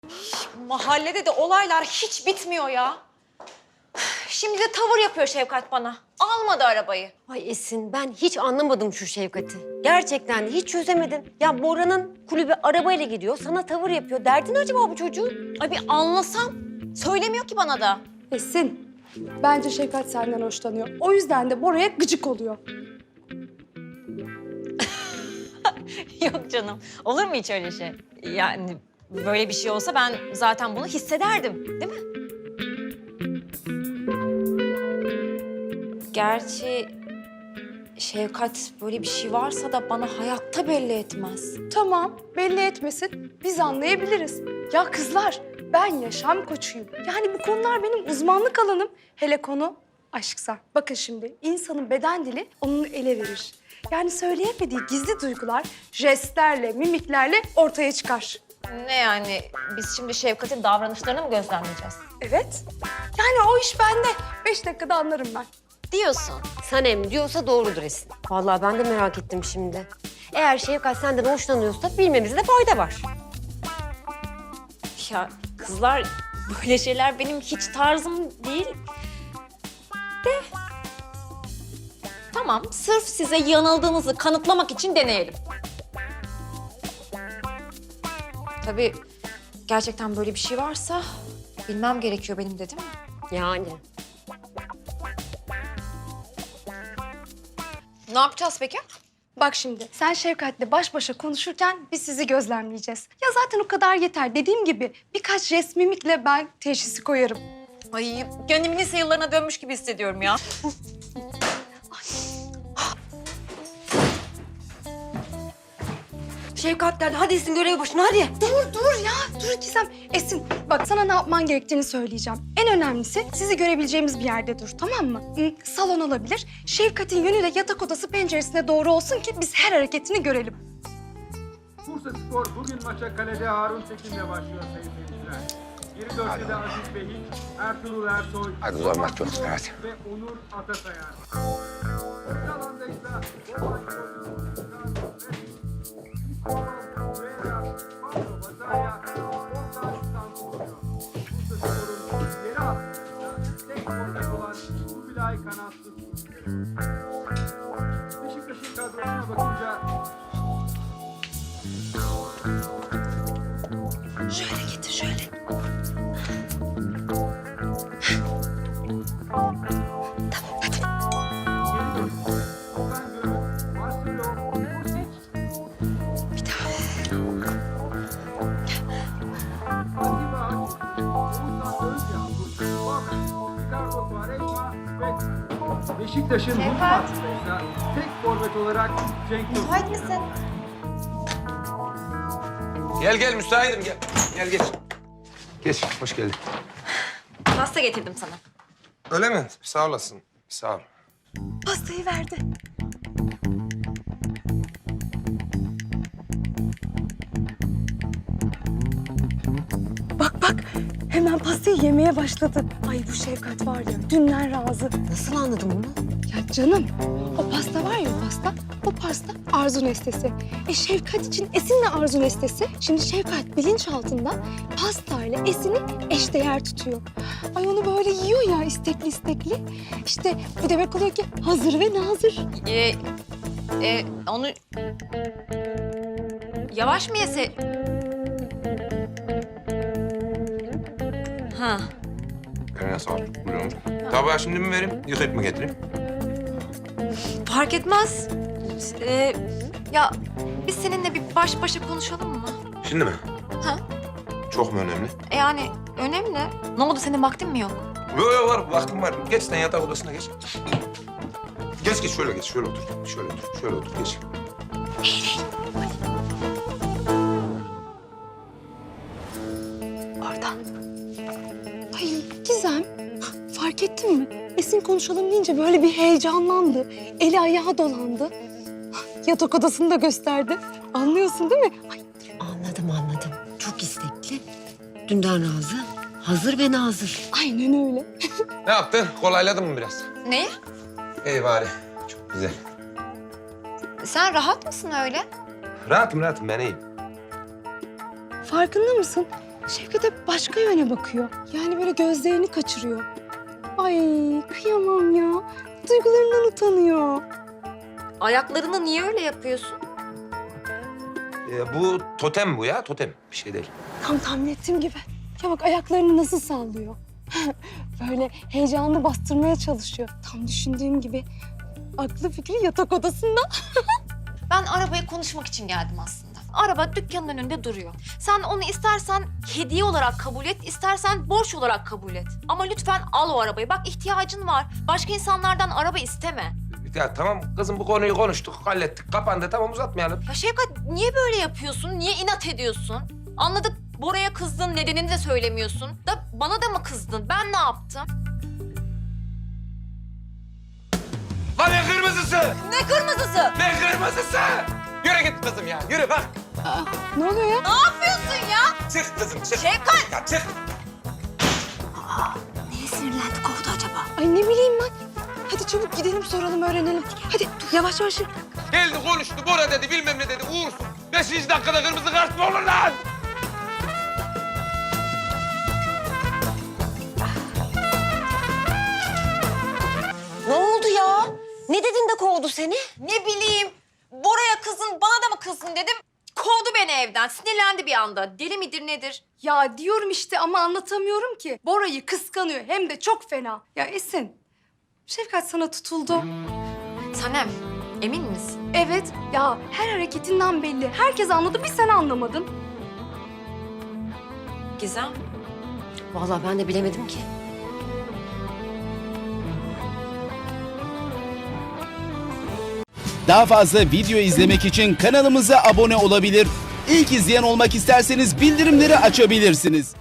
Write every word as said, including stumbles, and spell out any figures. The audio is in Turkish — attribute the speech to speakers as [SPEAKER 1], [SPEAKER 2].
[SPEAKER 1] Mahallede de olaylar hiç bitmiyor ya. Şimdi de tavır yapıyor Şevkat bana. Almadı arabayı.
[SPEAKER 2] Ay Esin, ben hiç anlamadım şu Şevkat'i. Gerçekten de hiç çözemedim. Ya Bora'nın kulübe arabayla gidiyor, sana tavır yapıyor. Derdin acaba bu çocuğun?
[SPEAKER 1] Ay bir anlasam. Söylemiyor ki bana da.
[SPEAKER 3] Esin, bence Şevkat senden hoşlanıyor. O yüzden de Bora'ya gıcık oluyor.
[SPEAKER 1] Yok canım. Olur mu hiç öyle şey? Yani böyle bir şey olsa ben zaten bunu hissederdim. Değil mi? Gerçi Şevkat böyle bir şey varsa da bana hayatta belli etmez.
[SPEAKER 3] Tamam, belli etmesin. Biz anlayabiliriz. Ya kızlar, ben yaşam koçuyum. Yani bu konular benim uzmanlık alanım. Hele konu aşksa. Bakın şimdi, insanın beden dili onun ele verir. Yani söyleyemediği gizli duygular jestlerle, mimiklerle ortaya çıkar.
[SPEAKER 1] Ne yani? Biz şimdi Şevkat'in davranışlarını mı gözlemleyeceğiz?
[SPEAKER 3] Evet. Yani o iş bende. Beş dakikada anlarım ben.
[SPEAKER 1] Diyorsun.
[SPEAKER 2] Sanem diyorsa doğrudur Esin. Vallahi ben de merak ettim şimdi. Eğer Şevkat senden hoşlanıyorsa bilmemizde fayda var.
[SPEAKER 1] Ya kızlar böyle şeyler benim hiç tarzım değil. De. Tamam, sırf size yanıldığınızı kanıtlamak için deneyelim. Tabii gerçekten böyle bir şey varsa bilmem gerekiyor benim de değil mi?
[SPEAKER 2] Yani.
[SPEAKER 1] Ne yapacağız peki?
[SPEAKER 3] Bak şimdi, sen Şevkat'le baş başa konuşurken biz sizi gözlemleyeceğiz. Ya zaten o kadar yeter. Dediğim gibi birkaç jest mimikle ben teşhisi koyarım.
[SPEAKER 1] Ay kendimi lise yıllarına dönmüş gibi hissediyorum ya.
[SPEAKER 2] Şevkat derdi, hadi Esin görev başına hadi.
[SPEAKER 3] Dur, dur ya. Dur Gizem. Esin, bak sana ne yapman gerektiğini söyleyeceğim. En önemlisi sizi görebileceğimiz bir yerde dur, tamam mı? Hı, salon olabilir. Şevkat'in yönü de yatak odası penceresine doğru olsun ki biz her hareketini görelim.
[SPEAKER 4] Bursa Spor bugün maça kalede Harun Tekin'le başlıyor sayın seyirciler. Geri dörtte Aziz Behiç, Ertuğrul Ersoy,
[SPEAKER 5] Hadi zor maç yok,
[SPEAKER 4] Murat
[SPEAKER 5] evet.
[SPEAKER 4] ve Onur Atasayar. Orta alanda ise Orhan Koçuk, Torreira, Pablo Bazaya, Orta Stanko oluyor. Bursa Spor'un geri attığında tek forvet olan Kubilay kanatsız. Beşiktaş'ın kadrosuna bakınca
[SPEAKER 3] Şöyle getir, şöyle.
[SPEAKER 4] Beşiktaş'ın hücum hattındaysa tek forvet olarak Cenk Tosun.
[SPEAKER 1] Müsait misin?
[SPEAKER 5] Gel gel müsaitim gel. Gel geç. Geç hoş geldin.
[SPEAKER 1] Pasta getirdim sana.
[SPEAKER 5] Öyle mi? Sağ olasın. Sağ ol.
[SPEAKER 3] Pastayı verdi. Bak bak, hemen pastayı yemeye başladı. Ay bu Şevkat var ya, dünden razı.
[SPEAKER 2] Nasıl anladın bunu?
[SPEAKER 3] Ya canım, o pasta var ya o pasta, o pasta Arzu Nestesi. E Şevkat için Esin'le Arzu Nestesi. Şimdi Şevkat bilinçaltında pastayla Esin'i eşdeğer tutuyor. Ay onu böyle yiyor ya istekli istekli. İşte bu demek oluyor ki hazır ve nazır.
[SPEAKER 1] Ee, e, onu yavaş mı yese? Ha.
[SPEAKER 5] Eline sağlık. Buyurun. Tabağı şimdi mi vereyim, yıkayıp mı getireyim?
[SPEAKER 1] Fark etmez. Ee, ya biz seninle bir baş başa konuşalım mı?
[SPEAKER 5] Şimdi mi?
[SPEAKER 1] Ha?
[SPEAKER 5] Çok mu önemli?
[SPEAKER 1] E yani önemli. Ne oldu senin vaktin mi yok?
[SPEAKER 5] Yok yok var, vaktim var. Geç sen yatak odasına geç. Geç geç şöyle geç, şöyle otur. Şöyle otur, şöyle otur geç.
[SPEAKER 3] Oradan. Ay Gizem, fark ettin mi? Esin konuşalım deyince böyle bir heyecanlandı. Eli ayağı dolandı. Yatak odasını da gösterdi. Anlıyorsun değil mi? Ay,
[SPEAKER 2] Anladım anladım. Çok istekli. Dünden razı, hazır ve nazır.
[SPEAKER 3] aynen öyle.
[SPEAKER 5] Ne yaptın? Kolayladın mı biraz?
[SPEAKER 1] Neyi?
[SPEAKER 5] İyi bari. Çok güzel.
[SPEAKER 1] Sen rahat mısın öyle?
[SPEAKER 5] Rahatım rahatım ben iyiyim.
[SPEAKER 3] Farkında mısın? Şevket hep başka yöne bakıyor. Yani böyle gözlerini kaçırıyor. Ay kıyamam ya. Duygularından utanıyor.
[SPEAKER 2] Ayaklarını niye öyle yapıyorsun?
[SPEAKER 5] Ee, bu totem bu ya, totem. Bir şey değil.
[SPEAKER 3] Tam tahmin ettiğim gibi. Ya bak ayaklarını nasıl sallıyor. Böyle heyecanını bastırmaya çalışıyor. Tam düşündüğüm gibi. Aklı fikri yatak odasında.
[SPEAKER 1] Ben arabayı konuşmak için geldim aslında. Araba dükkanın önünde duruyor. Sen onu istersen hediye olarak kabul et, istersen borç olarak kabul et. Ama lütfen al o arabayı. Bak ihtiyacın var. Başka insanlardan araba isteme.
[SPEAKER 5] Ya tamam kızım, bu konuyu konuştuk, hallettik, kapandı. Tamam, uzatmayalım.
[SPEAKER 1] Ya Şevkat niye böyle yapıyorsun? Niye inat ediyorsun? Anladık, Bora'ya kızdın, nedenini de söylemiyorsun. Da bana da mı kızdın? Ben ne yaptım?
[SPEAKER 5] Lan ne kırmızısı?
[SPEAKER 1] Ne kırmızısı?
[SPEAKER 5] Ne kırmızısı? Yürü git kızım ya, yürü bak.
[SPEAKER 3] Ne oluyor ya?
[SPEAKER 1] Ne yapıyorsun ya?
[SPEAKER 5] Çık kızım, çık.
[SPEAKER 1] Şevkat!
[SPEAKER 5] Ya çık.
[SPEAKER 1] Neye sinirlendi, kovdu acaba?
[SPEAKER 3] Ay ne bileyim ben. Hadi çabuk gidelim soralım öğrenelim. Hadi dur, yavaş yavaş.
[SPEAKER 5] Geldi konuştu, Bora dedi, bilmem ne dedi, uğursuz. Beşinci dakikada kırmızı kart mı olur lan?
[SPEAKER 2] Ne oldu ya? Ne dedin de kovdu seni?
[SPEAKER 1] Ne bileyim, Bora'ya kızın, bana da mı kızın dedim. Kovdu beni evden, sinirlendi bir anda. Deli midir nedir?
[SPEAKER 3] Ya diyorum işte ama anlatamıyorum ki. Bora'yı kıskanıyor hem de çok fena. Ya Esin, Şevkat sana tutuldu.
[SPEAKER 1] Sanem, emin misin?
[SPEAKER 3] Evet, ya her hareketinden belli. Herkes anladı, bir sen anlamadın.
[SPEAKER 1] Gizem.
[SPEAKER 2] Vallahi ben de bilemedim ki.
[SPEAKER 6] Daha fazla video izlemek için kanalımıza abone olabilir. İlk izleyen olmak isterseniz bildirimleri açabilirsiniz.